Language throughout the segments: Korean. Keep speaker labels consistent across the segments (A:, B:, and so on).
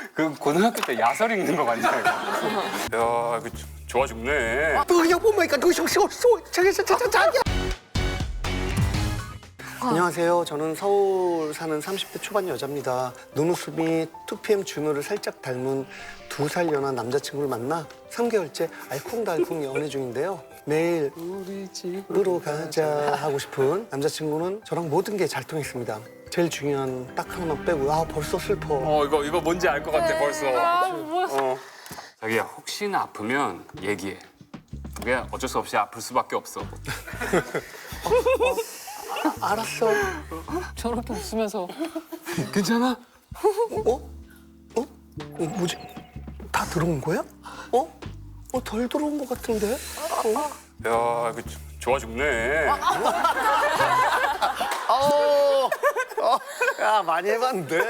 A: 그 고등학교 때 야설 읽는 거 맞냐 이거? 야, 이거 좋아 죽네.
B: 안녕하세요. 저는 서울 사는 30대 초반 여자입니다. 눈웃음이 2PM 준호를 살짝 닮은 2살 연하 남자친구를 만나 3개월째 알콩달콩 연애 중인데요. 매일 우리 집으로 가자 하고 싶은 남자친구는 저랑 모든 게 잘 통했습니다. 제일 중요한 딱 하나만 빼고 벌써 슬퍼.
A: 이거 뭔지 알 것 같아 벌써.
C: 뭐야?
A: 자기야 혹시나 아프면 얘기해. 그게 어쩔 수 없이 아플 수밖에 없어.
B: 알았어.
C: 저렇게 웃으면서
A: 괜찮아?
B: 뭐지? 다 들어온 거야? 덜 들어온 것 같은데?
A: 야, 이거 좋아 죽네.
B: 야, 많이 해봤는데.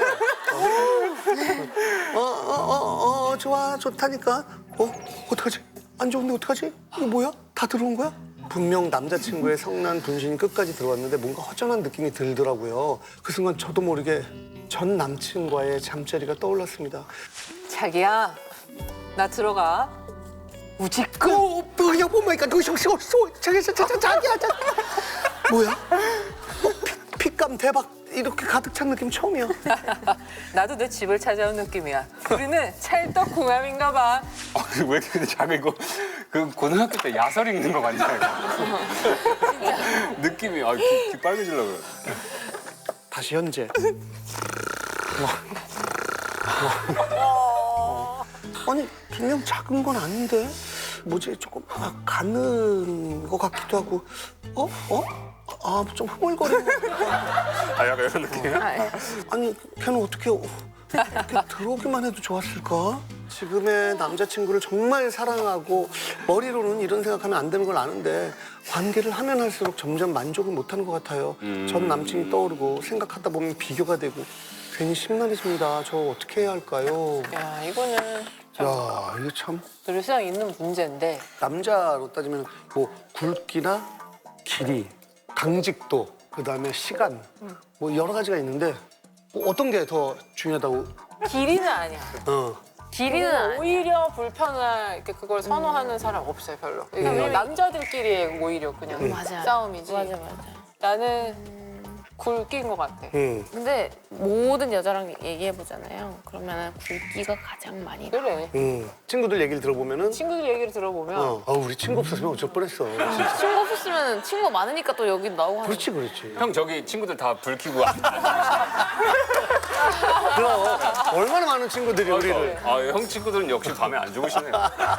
B: 좋아, 좋다니까. 어떡하지? 안 좋은데 어떡하지? 이거 뭐야? 다 들어온 거야? 분명 남자친구의 성난 분신이 끝까지 들어왔는데 뭔가 허전한 느낌이 들더라고요. 그 순간 저도 모르게 전 남친과의 잠자리가 떠올랐습니다.
C: 자기야, 나 들어가. 우지끄.
B: 야, 보니까 너 자기야. 뭐야? 핏감 대박. 이렇게 가득 찬 느낌 처음이야.
C: 나도 내 집을 찾아온 느낌이야. 우리는 찰떡궁합인가 봐.
A: 왜 이렇게 근데 자기 이거 그 고등학교 때 야설 읽는 거 맞냐 이거? 느낌이 귀 빨개지려고 그래.
B: 다시 현재. 아니, 분명 작은 건 아닌데? 뭐지? 조금 가는 것 같기도 하고. 좀 흐물거리는 것 같아.
A: 약간 이런 느낌이야?
B: 아니, 걔는 어떻게 이렇게 들어오기만 해도 좋았을까? 지금의 남자친구를 정말 사랑하고 머리로는 이런 생각하면 안 되는 걸 아는데 관계를 하면 할수록 점점 만족을 못하는 것 같아요. 전 남친이 떠오르고 생각하다 보면 비교가 되고 괜히 심란해집니다. 저 어떻게 해야 할까요?
C: 야, 이거는
B: 야, 이거 참
C: 늘 세상 있는 문제인데.
B: 남자로 따지면 뭐 굵기나 길이, 강직도, 그다음에 시간 뭐 여러 가지가 있는데 뭐 어떤 게 더 중요하다고?
C: 길이는 아니야. 길이는
D: 아니야.
C: 오히려 불편한 이렇게 그걸 선호하는 사람 없어요, 별로. 이게 그냥 남자들끼리 오히려 그냥
D: 맞아.
C: 싸움이지.
D: 맞아.
C: 나는 굵기인 것 같아.
D: 근데 모든 여자랑 얘기해 보잖아요. 그러면 굵기가 가장 많이.
C: 그래.
B: 친구들 얘기를 들어보면은
C: 친구들 얘기를 들어보면
B: 우리 친구 없었으면 어쩔 뻔했어. 진짜.
D: 친구 없었으면 친구 많으니까 또 여기 나오고 하는.
B: 그렇지.
A: 형 저기 친구들 다 불 켜고
B: 그럼 얼마나 많은 친구들이 우리를.
A: 형 친구들은 역시 밤에 안 주무시네요.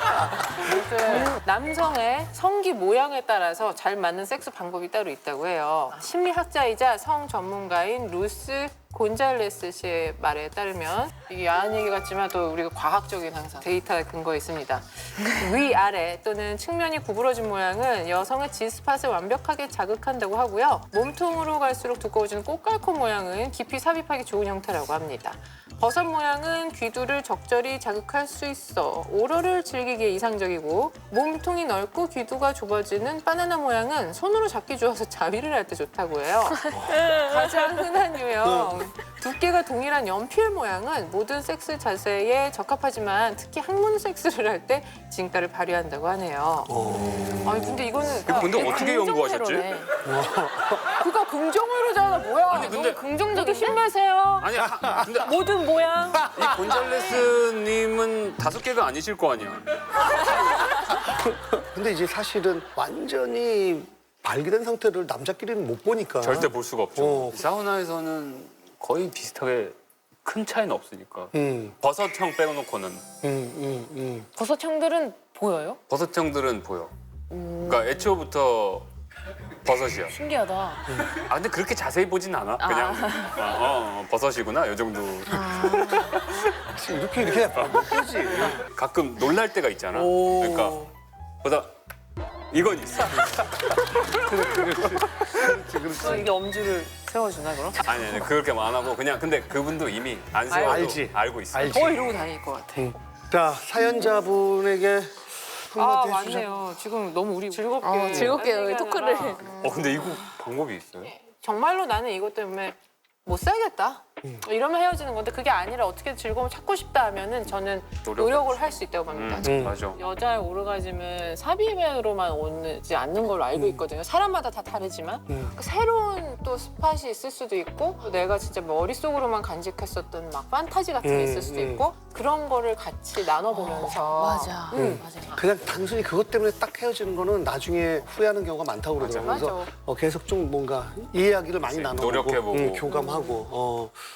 C: 남성의 성기 모양에 따라서 잘 맞는 섹스 방법이 따로 있다고 해요. 심리학자이자 성 전문가인 루스 곤잘레스 씨의 말에 따르면 이게 야한 얘기 같지만 또 우리가 과학적인 항상 데이터에 근거에 있습니다. 위아래 또는 측면이 구부러진 모양은 여성의 G스팟을 완벽하게 자극한다고 하고요. 몸통으로 갈수록 두꺼워지는 꽃갈콘 모양은 깊이 삽입하기 좋은 형태라고 합니다. 버섯 모양은 귀두를 적절히 자극할 수 있어 오로를 즐기기에 이상적이고, 몸통이 넓고 귀두가 좁아지는 바나나 모양은 손으로 잡기 좋아서 자위를 할 때 좋다고 해요. 가장 흔한 유형 두께가 동일한 연필 모양은 모든 섹스 자세에 적합하지만 특히 학문 섹스를 할 때 진가를 발휘한다고 하네요. 아니 근데 이거는
A: 근데 어떻게 연구하셨지?
C: 그거 긍정으로잖아. 뭐야?
A: 아니, 근데-
C: 너무 긍정적인 힘내세요.
A: 아니 근데
C: 모든 모양.
A: 이 곤잘레스님은 5개가 아니실 거 아니야?
B: 근데 이제 사실은 완전히 발기된 상태를 남자끼리는 못 보니까.
A: 절대 볼 수가 없죠.
B: 어.
A: 사우나에서는 거의 비슷하게 큰 차이는 없으니까. 버섯형 빼놓고는.
D: 버섯형들은 보여요?
A: 버섯형들은 보여. 그러니까 애초부터 버섯이야.
D: 신기하다.
A: 근데 그렇게 자세히 보진 않아. 그냥 버섯이구나 요 정도.
B: 이렇게 그지.
A: 가끔 놀랄 때가 있잖아. 그러니까 보다 이건 있어.
C: 그럼 이게 엄지를 세워주나 그럼?
A: 아니 그렇게 안 하고 그냥 근데 그분도 이미 안 세워도
B: 알지.
A: 알고 있어.
B: 알지.
C: 더 이러고 다닐 것 같아.
B: 자, 사연자분에게 한마디 해주죠.
C: 맞네요. 지금 너무 우리 즐겁게
D: 즐겁게
C: 얘기하느라.
D: 토크를.
A: 근데 이거 방법이 있어요?
C: 정말로 나는 이것 때문에 못 살겠다. 이러면 헤어지는 건데 그게 아니라 어떻게 즐거움을 찾고 싶다 하면은 저는 노력을 할 수 있다고 봅니다.
A: 맞아.
C: 여자의 오르가즘은 삽입으로만 오지 않는 걸로 알고 있거든요. 사람마다 다 다르지만 그 새로운 또 스팟이 있을 수도 있고 또 내가 진짜 머릿속으로만 간직했었던 막 판타지 같은 게 있을 수도 있고 그런 거를 같이 나눠보면서
D: 맞아. 맞아.
B: 그냥 단순히 그것 때문에 딱 헤어지는 거는 나중에 후회하는 경우가 많다고 그러더라고요.
C: 맞아.
B: 그래서 계속 좀 뭔가 이야기를 많이 나눠보고
A: 노력해보고.
B: 교감하고